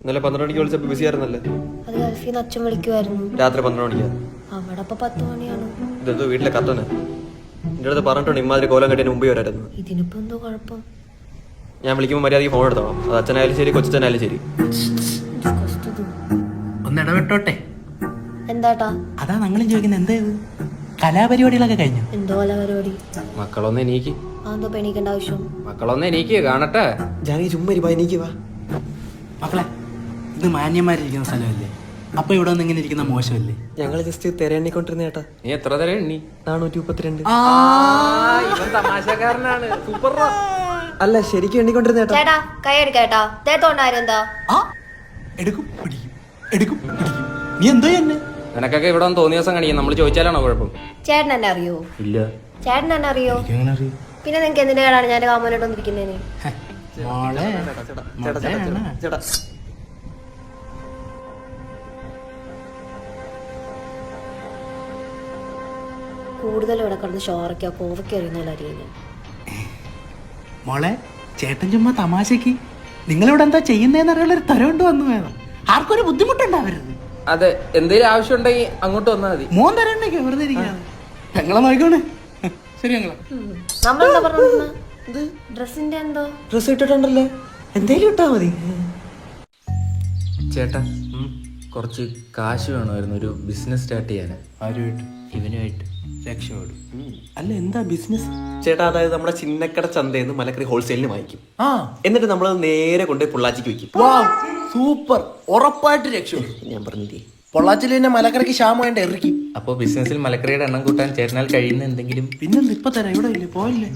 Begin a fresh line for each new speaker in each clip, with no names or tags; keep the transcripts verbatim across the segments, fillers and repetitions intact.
ഇന്നലെ പന്ത്രണ്ട് മണിക്ക് വിളിച്ചപ്പോൾ ബിസി ആയിരുന്നല്ലേ?
അത് ഗൾഫിൽ നിന്ന് അച്ഛൻ വിളിക്കുമായിരുന്നു.
രാത്രി പന്ത്രണ്ട് മണിക്കാ?
അവിടെ ഇപ്പൊ പത്ത് മണിയാണ്.
ഇതെന്തോ വീട്ടിലെ കത്തനെ എൻ്റെ അടുത്ത് പറഞ്ഞിട്ടുണ്ട് ഇമാതിരി കോലം കെട്ടിന് മുമ്പേ വരായിരുന്നു.
ഇതിനിപ്പോ എന്തോ കുഴപ്പം?
ഞാൻ വിളിക്കുമ്പോൾ മര്യാദയ്ക്ക് ഫോൺ എടുത്തോളാം. അത് അച്ഛനായാലും ശരി കൊച്ചനായാലും ശരി.
ഒന്ന് ഇടപെട്ടോട്ടെ.
എന്താട്ടാ?
അതാ ഞങ്ങളും ചോദിക്കുന്നത്, എന്താ ഇത് കലാപരിപാടികളൊക്കെ കഴിഞ്ഞു?
എന്തോ കലാപരിപാടി?
മക്കളൊന്ന് എനിക്ക്
അതെന്തോ പെണിക്കേണ്ട ആവശ്യം?
മക്കളൊന്ന് എനിക്ക് കാണട്ടെ. ജാനകി ചുമ്മാ ഇരിപ്പാ, എനിക്ക് വാ.
മക്കളെ, ഇത് മാന്യന്മാരിരിക്കുന്ന സ്ഥലമല്ലേ, അപ്പൊ ഇവിടെ വന്ന് ഇങ്ങനെ ഇരിക്കുന്ന മോശമല്ലേ?
ഞങ്ങൾ ജസ്റ്റ് തിരയണ്ണിക്കൊണ്ടിരുന്ന ചേട്ടാ. നീ എത്ര തര എണ്ണി? നാനൂറ്റി മുപ്പത്തിരണ്ട്. ഇവൻ തമാശക്കാരനാണ്. സൂപ്പർ. അല്ല ശരിക്കും എണ്ണിക്കൊണ്ടിരുന്ന ചേട്ടാ.
ചേട്ടാ കൈ എടുക്കേട്ടാ. തേത്തോണ്ടാരെന്താ?
എടുക്കും പിടിക്കും എടുക്കും പിടിക്കും. നീ എന്തോ എന്നെ
നിനക്കൊക്കെ ഇവിടെ ഒന്ന് തോന്നിയ ദിവസം കാണിക്കും. നമ്മൾ ചോദിച്ചാലാണോ കുഴപ്പം?
ചേട്ടൻ എന്നെ അറിയോ?
ഇല്ല.
ചേട്ടൻ എന്നെ അറിയോ?
എങ്ങനെ അറിയും?
പിന്നെ നിനക്ക് എന്തിന്റെ കേടാണ് ഞാൻ കാമനോട്ടൊന്നിരിക്കുന്നതിന്?
മോളെ
ചേട്ടാ
കൂടുതൽ ഇവിടെ കിടന്ന് ഷോറയ്ക്കോ കോവയ്ക്കോ അറിയുന്ന അറിയുന്നത്.
മോളെ, ചേട്ടൻ ചുമ്മാ തമാശക്ക് നിങ്ങളിവിടെ എന്താ ചെയ്യുന്നതെന്ന് അറിയാനുള്ള ഒരു തരമുണ്ട് വന്നു വേണം. ആർക്കും ഒരു ബുദ്ധിമുട്ടുണ്ടാവരുത്.
അതെ, എന്തെങ്കിലും ആവശ്യം ഉണ്ടെങ്കിൽ അങ്ങോട്ട് വന്നാൽ മതി.
മോൻ തരണ്ടേക്ക് വെറുതെ ഇരിക്കാതെ ഞങ്ങളെ നോക്കണേ. ശരി ഞങ്ങളെ
നമ്മളെന്താ പറഞ്ഞ ഡ്രസ്സിന്റെ എന്തോ
ഡ്രസ് ഇട്ടിട്ടുണ്ടല്ലോ, എന്തേലും ഇട്ടാ മതി. ചേട്ടാ കുറച്ച് കാശ് വേണമായിരുന്നു ഒരു ബിസിനസ് സ്റ്റാർട്ട് ചെയ്യാൻ.
ആരുമായിട്ട്?
ഇവനുമായിട്ട്.
രക്ഷപ്പെടും. അല്ല എന്താ ബിസിനസ്?
ചേട്ടാ അതായത് നമ്മുടെ ചിന്നക്കട ചന്തയിൽ നിന്ന് മലക്കറി ഹോൾസെയിലിന് വാങ്ങിക്കും.
ആ
എന്നിട്ട് നമ്മൾ നേരെ കൊണ്ടുപോയി പൊള്ളാച്ചിക്ക് വെക്കും.
സൂപ്പർ, ഉറപ്പായിട്ട് രക്ഷപ്പെടും.
ഞാൻ പറഞ്ഞില്ലേ,
പൊള്ളാച്ചിൽ തന്നെ മലക്കറിക്ക് ക്ഷാമമായിട്ട് ഇറക്കി.
അപ്പൊ ബിസിനസ്സിൽ മലക്കറിയുടെ എണ്ണം കൂട്ടാൻ ചേട്ടനാൽ കഴിയുന്ന എന്തെങ്കിലും.
പിന്നെന്ത് ഇപ്പൊ തരാം, ഇവിടെ ഇല്ലേ പോയില്ലേ?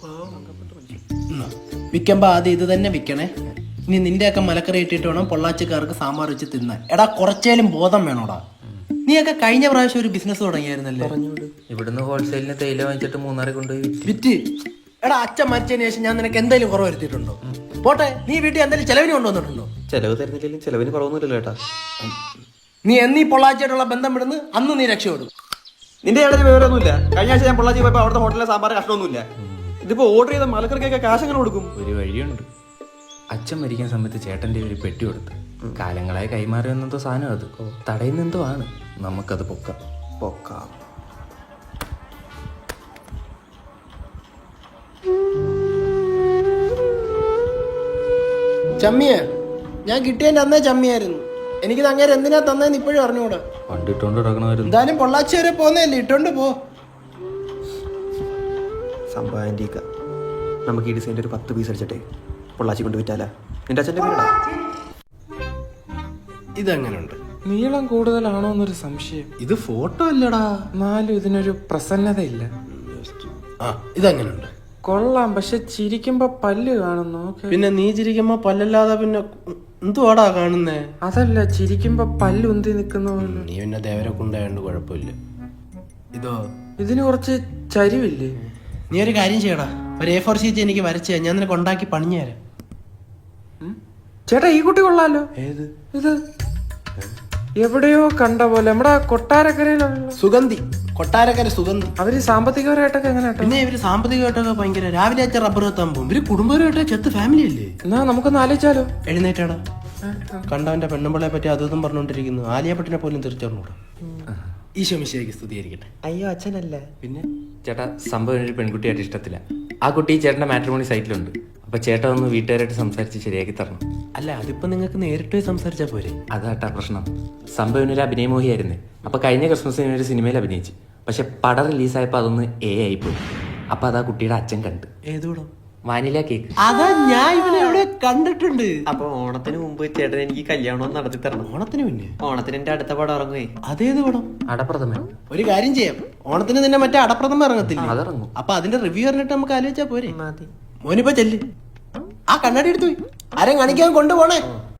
വിൽക്കുമ്പോ ആദ്യം ഇത് തന്നെ വിൽക്കണേ. ഇനി നിന്റെ ഒക്കെ മലക്കറി ഇട്ടിട്ട് വേണം പൊള്ളാച്ചിക്കാർക്ക് സാമ്പാർ വെച്ച് തിന്നാൻ. എടാ കുറച്ചേലും ബോധം വേണോടാ. നീയൊക്കെ കഴിഞ്ഞ പ്രാവശ്യം ഒരു ബിസിനസ് തുടങ്ങിയായിരുന്നല്ലേ?
ഇവിടുന്ന് ഹോൾസെയിലിന് തേയില വാങ്ങിച്ചിട്ട് മൂന്നാറെ കൊണ്ടുപോയി
വിറ്റ്. എടാ അച്ഛൻ മരിച്ചതിന് ശേഷം ഞാൻ നിനക്ക് എന്തെങ്കിലും കുറവ് വരുത്തിയിട്ടുണ്ടോ? പോട്ടെ, നീ വീട്ടിൽ എന്തെങ്കിലും ചെലവിന് കൊണ്ടുവന്നിട്ടുണ്ടോ?
ചെലവ് തരുന്നില്ലെങ്കിലും ചെലവിന് കുറവൊന്നുമില്ലല്ലോ ചേട്ടാ.
നീ എന്നീ പൊള്ളാച്ചിയായിട്ടുള്ള ബന്ധം വിടുന്ന് അന്ന് നീ രക്ഷപ്പെടും.
നിന്റെ ഏതൊരു വിവരമൊന്നുമില്ല. കഴിഞ്ഞ ആഴ്ച ഞാൻ പൊള്ളാച്ചി പോയപ്പോൾ അവിടുത്തെ ഹോട്ടലിലെ സാമ്പാർ കഷ്ടമൊന്നുമില്ല. ഇതിപ്പോ ഓർഡർ ചെയ്ത മലക്കറിക്കൊക്കെ കാശ് എങ്ങനെ കൊടുക്കും? ഒരു വഴിയുണ്ട്. അച്ഛൻ മരിക്കുന്ന സമയത്ത് ചേട്ടന്റെ ഒരു പെട്ടി കൊടുത്ത് കാലങ്ങളായി കൈമാറി വന്നെന്തോ സാധനം, അത് തടയുന്നെന്തോ ആണ്. നമുക്കത് പൊക്കാം പൊക്കാം
ചമ്മിയെ ഞാൻ കിട്ടിയതിന്റെ അന്നേ ചമ്മിയായിരുന്നു. എനിക്ക് അങ്ങനെ എന്തിനാ തന്നേന്ന് ഇപ്പോഴും അറിഞ്ഞൂടാ.
പണ്ട് ഇട്ടോണ്ട് കിടക്കണമായിരുന്നു.
എന്തായാലും പൊള്ളാച്ചി വരെ പോന്നല്ലേ, ഇട്ടോണ്ട് പോ.
സംഭവം നമുക്ക് ഈ ഡിസൈൻ്റെ ഒരു പത്ത് പീസ് അടിച്ചിട്ടേ പൊള്ളാച്ചി കൊണ്ട് വിറ്റാലാ. നിന്റെ അച്ഛൻ്റെ വീടാ.
ഇതെങ്ങനുണ്ട്?
നീളം കൂടുതലാണോ എന്നൊരു സംശയം.
ഇത് ഫോട്ടോ അല്ലടാ.
എന്നാലും ഇതിനൊരു പ്രസന്നതയില്ല.
ആ ഇതെങ്ങനുണ്ട്?
കൊള്ളാം, പക്ഷെ ചിരിക്കുമ്പോ പല്ല് കാണുന്നു.
പിന്നെ നീ ചിരിക്കുമ്പോ പല്ലല്ലാതെ പിന്നെ എന്തുവാടാ കാണുന്നേ?
അതല്ല, ചിരിക്കുമ്പോ പല്ല് ഉന്തി നിക്കുന്ന പോലെ.
നീ പിന്നെ ദേവരെ കൊണ്ടായോണ്ട് കുഴപ്പമില്ല. ഇതോ
ഇതിന് കുറച്ച് ചരിവില്ലേ?
നീ ഒരു കാര്യം ചെയ്യടാ, ഒരു എ ഫോർ ഷീറ്റ് എനിക്ക് വരച്ച ഞാൻ നിനക്ക് ഉണ്ടാക്കി പണിഞ്ഞു തരാം.
ചേട്ടാ ഈ കുട്ടി കൊള്ളാലോ.
ഏത്?
ഇത് എവിടെയോ കണ്ട പോലെ. നമ്മുടെ കൊട്ടാരക്കരയിലുള്ള
സുഗന്ധി, കൊട്ടാരക്കര സുഗന്ധി.
അവര് സാമ്പത്തികപരമായിട്ടൊക്കെ എങ്ങനെ?
പിന്നെ ഇവര് സാമ്പത്തികമായിട്ടൊക്കെ ഭയങ്കര. രാവിലെ അച്ഛൻ റബ്ബർ എത്താൻ പോകും. ഇവര് കുടുംബപരമായിട്ട് ചെത്ത് ഫാമിലി അല്ലേ?
എന്നാ നമുക്കൊന്ന് ആലോചിച്ചാലോ?
എഴുന്നേറ്റാടാ. കണ്ടവന്റെ പെണ്ണുമ്പിളെ പറ്റി അതും പറഞ്ഞോണ്ടിരിക്കുന്നു. ആലിയപ്പട്ടിനെ പോലും തിരിച്ചറിഞ്ഞൂടാ. ഈശോ മിശിഹായ്ക്ക് സ്തുതിയായിരിക്കട്ടെ.
അയ്യോ അച്ഛനല്ല.
പിന്നെ
ചേട്ടാ സംഭവം ഒരു പെൺകുട്ടിയായിട്ട് ഇഷ്ടത്തില്ല. ആ കുട്ടി ചേട്ടന്റെ മാട്രിമോണി സൈറ്റിലുണ്ട്. അപ്പൊ ചേട്ടൻ ഒന്ന് വീട്ടുകാരായിട്ട് സംസാരിച്ച് ശരിയാക്കി തരണം.
അല്ല, അതിപ്പോ നിങ്ങൾക്ക് നേരിട്ട് സംസാരിച്ചാ പോരെ?
അതാട്ടാ പ്രശ്നം. സംഭവം ഒരു അഭിനയമോഹിയായിരുന്നേ. അപ്പൊ കഴിഞ്ഞ ക്രിസ്മസിന് ഒരു സിനിമയിൽ അഭിനയിച്ചു. പക്ഷെ പടം റിലീസായപ്പോ അതൊന്ന് എ ആയിപ്പോയി. അപ്പൊ അതാ കുട്ടിയുടെ അച്ഛൻ കണ്ട്.
ഏതോടോ?
Vanilla cake.
അതാ ഞാൻ ഇവനെ എവിടെ കണ്ടിട്ടുണ്ട്.
അപ്പൊ ഓണത്തിന് മുമ്പ് ചേട്ടൻ എനിക്ക് കല്യാണം നടത്തി തരണം.
ഓണത്തിന് പിന്നെ?
ഓണത്തിന് എന്റെ അടുത്ത പടം ഇറങ്ങുവേ.
അതേത് പടം?
അടപ്രഥമൻ.
ഒരു കാര്യം ചെയ്യാം, ഓണത്തിന് നിന്നെ മറ്റേ അടപ്രഥമ ഇറങ്ങത്തില്ല,
അതിറങ്ങും.
അപ്പൊ അതിന്റെ റിവ്യൂ അറിഞ്ഞിട്ട് നമുക്ക് ആലോചിച്ചാ പോരെ? മോനിപ്പോ ചെല്ല്, ആ കണ്ണാടി എടുത്തു ആരും കാണിക്കാൻ കൊണ്ടുപോണേ.